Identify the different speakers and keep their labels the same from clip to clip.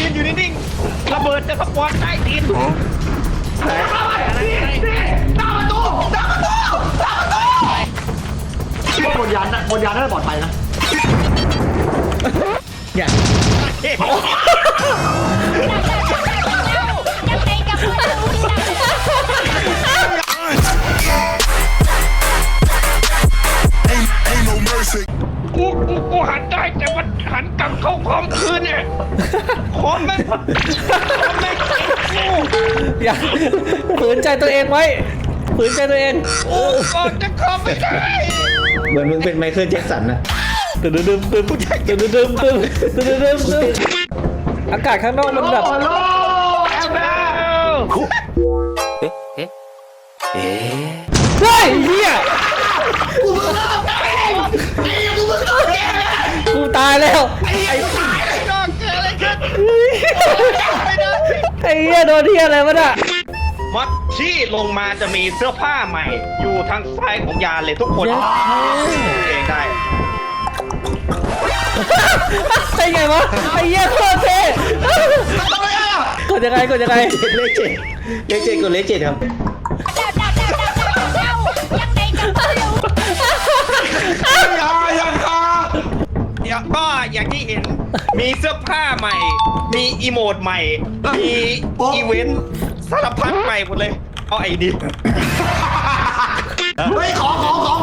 Speaker 1: นอยู่นิ่งๆระเบิดจะสปอนใต้ดินหน้าประตูบนยานน่าจะปลอดภัยนะ
Speaker 2: อย่า
Speaker 1: กูหันได้แต่มันหันกลับเข้าคอมคืนเนี่ยคอมไม่กู
Speaker 2: อย่าฝืนใจตัวเองไว้ฝืนใจตัวเอง
Speaker 1: ก่อนจะเข้าไม่ได้
Speaker 3: เหมือนมึงเป็นไมเคิลแจ็คสันนะ
Speaker 2: อากาศข้างนอกมันแบบเฮ้ยเฮียกูตายแล้วไอ้เฮียโดนเฮียอะไรวะน่ะ
Speaker 1: มัดที่ลงมาจะมีเสื้อผ้าใหม่อยู่ทางซ้ายของยานเลยทุกคนเองได้
Speaker 2: ไอ้ไงวะไอ้เหี้ยโคตรเท่กดยังไง
Speaker 3: เลขเจ็ดกดเลขเจ็ดครับ
Speaker 1: ก็อย่างที่เห็นมีเสื้อผ้าใหม่มีอีโมดใหม่มีอีเวนต์สารพัดใหม่หมดเลยเอาไอ้ดิเฮ้ยของ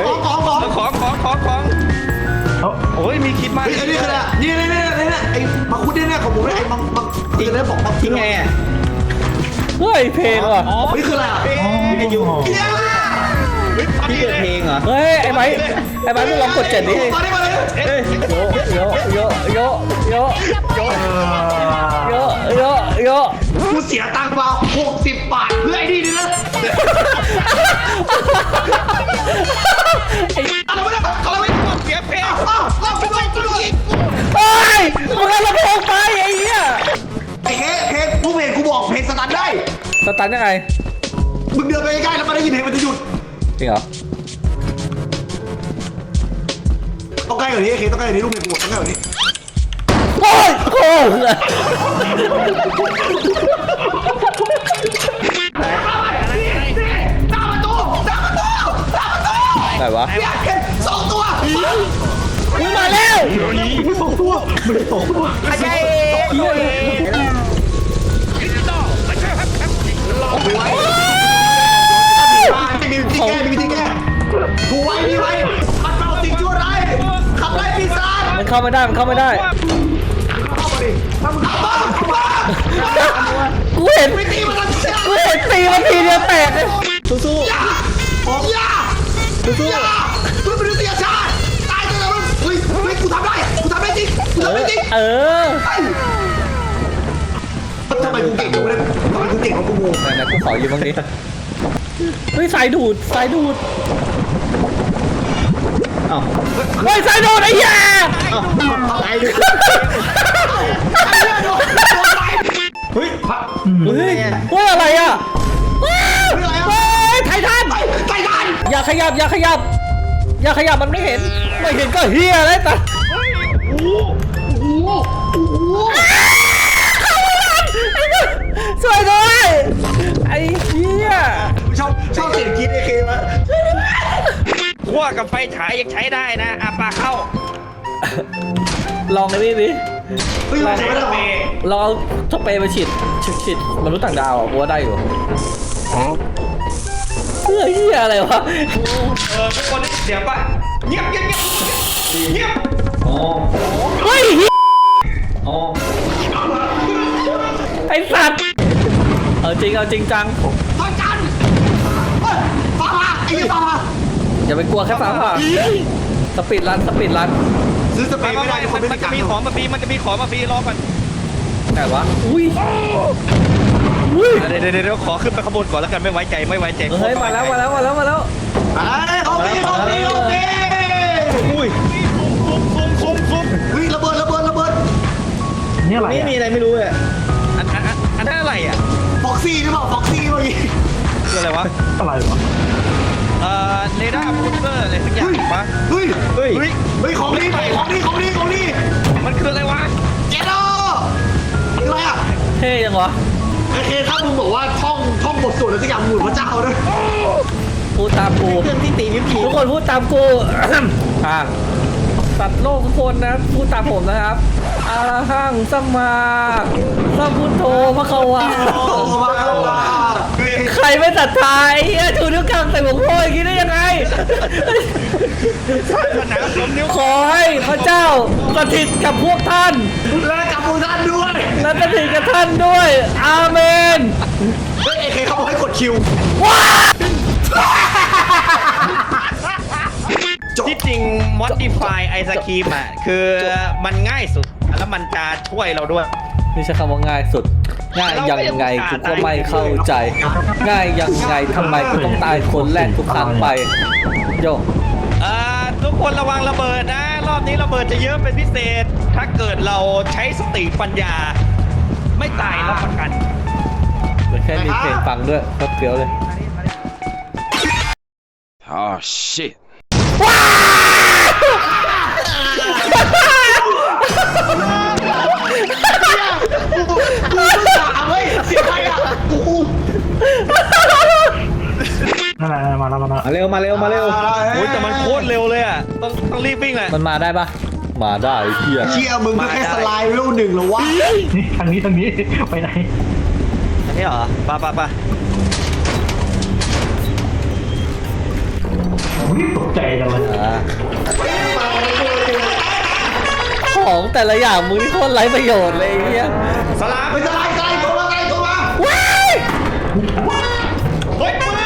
Speaker 1: โอ้ยมีคิดมาก
Speaker 4: นี่คืออะไรนี่ไอ้มังคุดเนี่ยของผมไอ้มังอีกแล้วบอกมัง
Speaker 3: ทิ้งไงอ่ะ
Speaker 2: เฮ้ยเพลงว่ะ
Speaker 4: นี่คืออะไร
Speaker 3: พี่อยู่พี่เกิดเพลงเหรอ
Speaker 2: เฮ้ยไอ้ไม้มึงลองกด7ดิโย
Speaker 4: กูเสียตังค์มา60 บาทเพื่อไอ้นี่นี่นะอะไรวะเนี่ยอะไรวะ
Speaker 1: เสียเพลง
Speaker 4: เราไปด้วย
Speaker 2: เฮ้ยมึงเอาลำโพงไปไอ้เหี้ย
Speaker 4: ไอ้เพลงผู้เพลงกูบอกเพลงสตาร์ทได้
Speaker 2: สตาร์ทยังไง
Speaker 4: มึงเดินไปใกล้แล้วมันได้ยินเพลงมันจะหยุด
Speaker 2: จริงเหรอ
Speaker 4: ต้องใกล้กว่านี้ต้องใกล้กว่านี้ลูกเพลงกูต้องใกล้กว่านี้
Speaker 2: โอ้ยโอ้ยไหนวะ
Speaker 4: 2 ตัว
Speaker 2: มึงมาแล้ว
Speaker 4: 2 ตัว
Speaker 1: ไอ้ดิจิตอลไม่ใช่ครับรอไว้
Speaker 4: มีวิธีแก้กูไว้มันเป่าสิ่งชั่วร้ายขับไล่ปีศาจ
Speaker 2: มันเข้าไม่ได้เข้ามาดิถ้ามึงเข้ามากูเห็นตีมันทีเดียวแตกเลยสู้
Speaker 4: อย่าเพื่อมนุษยชาติตายตัวมึงเฮ้ยกูทำได้จริงทำไมกูเก่งกูเนี่ยทำไมกูเก่งของกูงง
Speaker 2: นะกูขอยืมบ้างดิเฮ้ยสายดูด
Speaker 3: อ้าว
Speaker 2: เฮ้ยสายดูดไอ้เหี้ย
Speaker 3: เฮ้ย
Speaker 2: อะไรอ่ะไททันอย่าขยับมันไม่เห็นก็เฮียเลยแต่สวยด้วยไอ้เหี้ย
Speaker 4: ชอบเสียงคิดไอ้เคมะ
Speaker 1: ขั้วกับไฟฉายยังใช้ได้นะอาปาเข้า
Speaker 2: ลองเลยดิ
Speaker 4: ลอง
Speaker 2: เอาสเปรย์มาฉีดมนุษย์ต่างดาวอ่ะกูว่าได้อยู่เสื้อเหี้ยอะไรวะ
Speaker 1: ทุกคนเดี๋ยวป่ะเงียบ
Speaker 2: เฮ้ยไอ้สัตว์เอาจริงจัง
Speaker 4: ฟ้าจันฟ้าผ่าไอ้ฟ้าผ่า
Speaker 2: อย่าไปกลัวแค่ฟ้าผ่าสปีดรัน
Speaker 4: ซื้อสเปรย์ไม่ได้
Speaker 1: มันจะมีของมาฟรีรอก่อน
Speaker 2: ไหนวะอุ้ย
Speaker 1: เดี๋ยวขอขึ้นไปขบวนก่อนแล้วกันไม่ไว้ใจ
Speaker 2: เฮ้ยมาแล้ว
Speaker 4: โอเค
Speaker 1: อุ้ย
Speaker 4: ระเบิด
Speaker 3: นี่อะไรไม่มีอะไรไม่รู้เลย
Speaker 1: อันนั้นอะไรอ่ะ
Speaker 4: ฟ็อกซี่หรือเปล่าฟ็อกซี่เมื่อกี้
Speaker 1: คืออะไรวะเรดาร์บูสเตอร์อะไรสักอย่างปะ
Speaker 4: เฮ้ยของนี่มันคืออะไรวะเจโดอะไรอ่ะ
Speaker 2: ท่ยังวะ
Speaker 4: ไอ้เคถ้ามึงบอกว่าท่องบทสวดอะไรสักอย่างหมุนพระเจ้าด้วย
Speaker 2: พูดตามกู
Speaker 3: เครื่องที่ตีนิ้วผี
Speaker 2: ทุกคนพูดตามกู อ่ะสัตว์โลกทุกคนนะพูดตามผมนะครับอาหังสัมมาสัมพุทโธพระควา
Speaker 4: โอ้มาแล้วว่า
Speaker 2: ใครไม่ศรัทธาไอ้เหี้ยชูนิ้วกลางใส่หัวโพอย่างนี้ได้ยังไง
Speaker 1: ผนังสมนิ้ว
Speaker 2: ขอให้พระเจ้าสถิตกับพวกท่าน
Speaker 4: และกับพวกท่านด้วย
Speaker 2: และสถิตกับท่านด้วย อาเมน
Speaker 4: เฮ้ยไอ้เคเขาบอกให้กดคิว
Speaker 2: ว้า
Speaker 1: ที่จริง modify ไอศครีมอ่ะคือมันง่ายสุดแล้วมันจะช่วยเราด้วย
Speaker 2: นี่ใช้คำว่าง่ายสุด ง่ายยังไงกูก็ไม่เข้าใจ ง่ายยังไงทำไมกูต้องตายคนแรกทุกครั้งไปโย
Speaker 1: ทุกคนระวังระเบิดนะ รอบนี้ระเบิดจะเยอะเป็นพิเศษ ถ้าเกิดเราใช้สติปัญญา ไม่ตายรับประกัน
Speaker 2: เหลือแค่มีเพลงฟังด้วยก็เฟี้ยวเลย
Speaker 5: Oh shit.
Speaker 4: กูไม่ด่าเว้ยเสียใจอ่ะกู
Speaker 3: นั่นแหละมาแล้ว
Speaker 2: มาเร็วมาเร็วมาเร็ว
Speaker 1: โอ้ยแต่มันโคตรเร็วเลยอ่ะ ต้องรีบวิ่งแหละ
Speaker 2: มันมาได้ปะมาได้ไอ้เหี้ย
Speaker 4: เชี่ยมึงก็แค่สไลด์เวลหนึ่งเหรอวะ
Speaker 3: นี่ทางนี้ไปไหน
Speaker 1: อันนี้เหรอปะ
Speaker 3: ตกใจจังเลย
Speaker 2: อ่าของแต่ละอย่างมึงนี่โคตรไร้ประโยชน์เลยไอ้เหี้ย
Speaker 1: สลาม
Speaker 4: ไม่สไลด์ตัวมาตัวมา
Speaker 2: ว้าย
Speaker 1: เฮ้ยปืน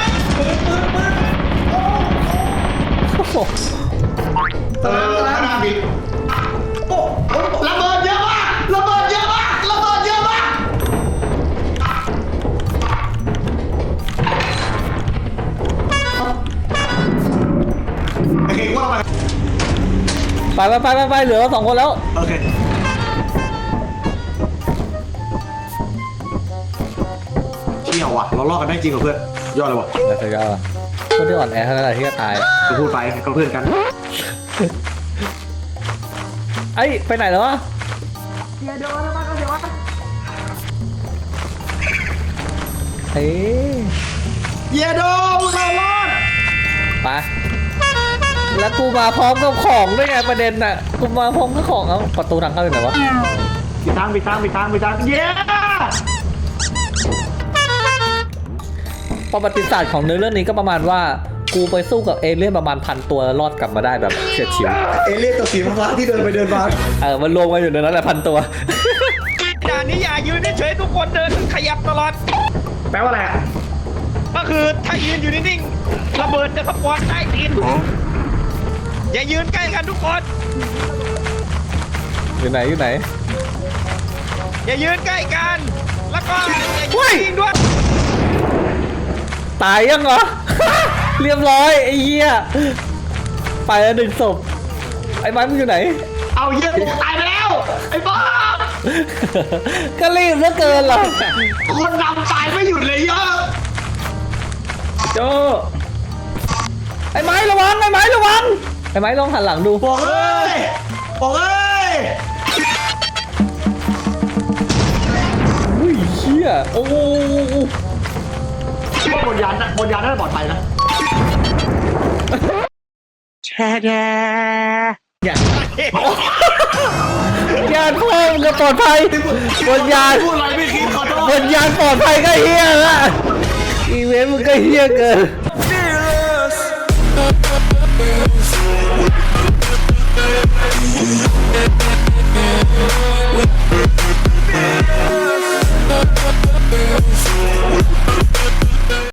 Speaker 2: โอ้โห
Speaker 4: สไลด์บิดโอ้ระเบิดเยอะมากระเบิดเยอะมากระเบิดเยอะมากโอเคว่าไป
Speaker 2: ไปเหลือเรา2 คนแล้ว
Speaker 4: โอเคเชี่ยว่ะเราลอกกันได้จริงเหรอเพื่อนยอดเลยว่ะ
Speaker 2: แต่สุดยอดอะคนที่อ่อนแอเท่านั้นแหละที่จะตาย
Speaker 4: กูพูดไปก็เพื่อนกัน
Speaker 2: ไอ้ยไปไหนแล้ววะเฮ้ย
Speaker 4: เยโดมึงเอารอด
Speaker 2: ไปแล้วกูมาพร้อมกับของด้วยไงประเด็นน่ะกูมาพร้อมกับของเอาประตูทางเข้าอยู่ไหนวะ
Speaker 4: ปิดทางเย้
Speaker 2: ประวัติศาสตร์ของเนื้อเรื่องนี้ก็ประมาณว่ากูไปสู้กับเอเลี่ยนประมาณ1,000 ตัวแล้วรอดกลับมาได้แบบเฉียดฉิว
Speaker 4: เอเลี่ยนตัวสีฟ้าที่เดินไปเดินมา
Speaker 2: มันรวมกันอยู่ในนั้นแหละ1,000 ตัว
Speaker 1: ด่านนี้อย่ายืนเฉยๆทุกคนเดินขยับตลอด
Speaker 4: แปลว่าอะไร
Speaker 1: ก็คือถ้ายืนอยู่นิ่งๆระเบิดจะสปอนใต้ตีนอย่ายืนใกล้กันทุกคน
Speaker 2: อยู่ไหน
Speaker 1: อย่ายืนใกล้กัน แล้วก็อย่า
Speaker 2: เฮ้ย
Speaker 1: ยิงด้วย
Speaker 2: ตายยังเหรอ เรียบร้อยไอ้เหี้ยไปแล้ว1 ศพไอ้ไม้มึงอยู่ไหน
Speaker 4: เอาเยี่ยมตายไปแล้วไอ้บ้า
Speaker 2: ก็รีบเหลือเกินเหรอ
Speaker 4: คนนำตายไม่หยุดเลยเยอะ
Speaker 2: โจไอ้ไม้ระวังไอ้ไม้ระวังไอ้ไม้ลองหันหลังดู
Speaker 4: บอกเอ้ย
Speaker 2: อุ้ยเชี่ยโอ้โห
Speaker 4: คิดว่าบนยานน่าจะปลอดภัยนะ
Speaker 2: ยานพ่อมึงจะปลอดภัยบนยาน
Speaker 4: พูดอะไรไม่คิดขอโท
Speaker 2: บ
Speaker 4: ษ
Speaker 2: นยานปลอดภัยก็เฮี้ยละอีเวนต์มึงก็เฮี้ยเกิน